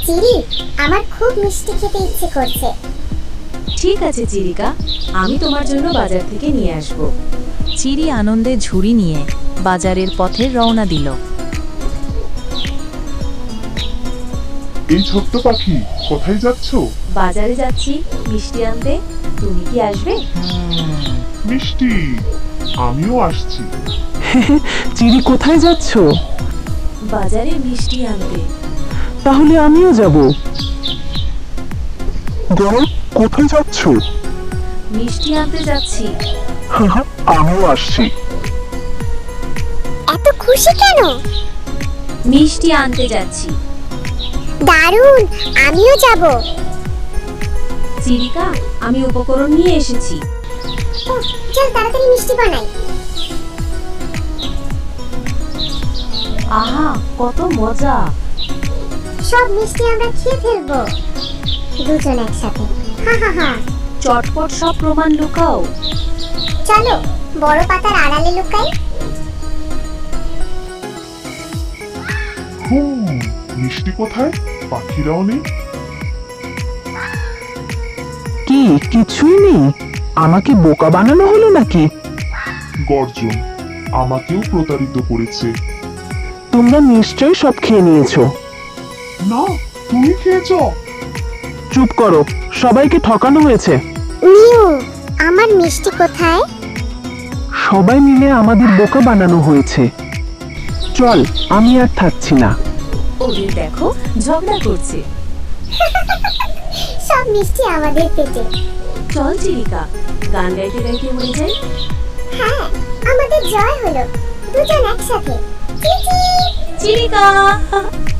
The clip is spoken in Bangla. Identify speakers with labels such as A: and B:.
A: চিরি, আমার খুব মিষ্টি খেতে ইচ্ছে করছে।
B: ঠিক আছে চিরিকা, আমি তোমার জন্য বাজার থেকে নিয়ে আসব।
C: চিরি আনন্দে ঝুড়ি নিয়ে বাজারের পথে রওনা দিল।
D: এই ছোট্ট পাখি, কোথায় যাচ্ছ?
B: বাজারে যাচ্ছি মিষ্টি আনতে, তুমি কি আসবে?
D: মিষ্টি, আমিও আসছি।
E: চিরি কোথায় যাচ্ছ?
B: বাজারে মিষ্টি আনতে।
E: তাহলে আমিও যাব। কোথায় যাচ্ছ?
B: মিষ্টি আনতে যাচ্ছি।
E: আমিও আসছি।
A: এত খুশি কেন?
B: মিষ্টি আনতে যাচ্ছি।
A: দারুণ, আমিও যাব।
B: চিরিকা, আমি উপকরণ নিয়ে এসেছি।
A: চল তাড়াতাড়ি মিষ্টি বানাই।
B: আহা, কত মজা!
A: সব মিষ্টি আমরা খেয়ে ফেলবো দুজন একসাথে। হা হা হা।
B: চটপট সব প্রমাণ লুকাও।
A: চলো বড় পাতার আড়ালে লুকাই।
D: মিষ্টি কোথায়? পাখিরাও নেই।
E: কি কিছুই নেই? আমাকে বোকা বানানো হলো নাকি?
D: গর্জন আমাকেও প্রতারিত করেছে।
E: তোমরা নিশ্চয়ই সব খেয়ে নিয়েছো।
D: না, তুমি খেয়েছ।
E: চুপ করো, সবাইকে ঠকানো হয়েছে।
A: নিউ, আমার মিষ্টি কোথায়?
E: সবাই মিলে আমাদের বোকা বানানো হয়েছে। চল, আমি আর থাকছি না।
B: ওদের দেখো, ঝগড়া করছে।
A: সব মিষ্টি আমাদের পেটে।
B: চল চিরিকা, গান গাইতে গাইতে উড়ে যাই।
A: হ্যাঁ, আমাদের জয় হলো দুজন একসাথে। চিচি।
B: চিরিকা।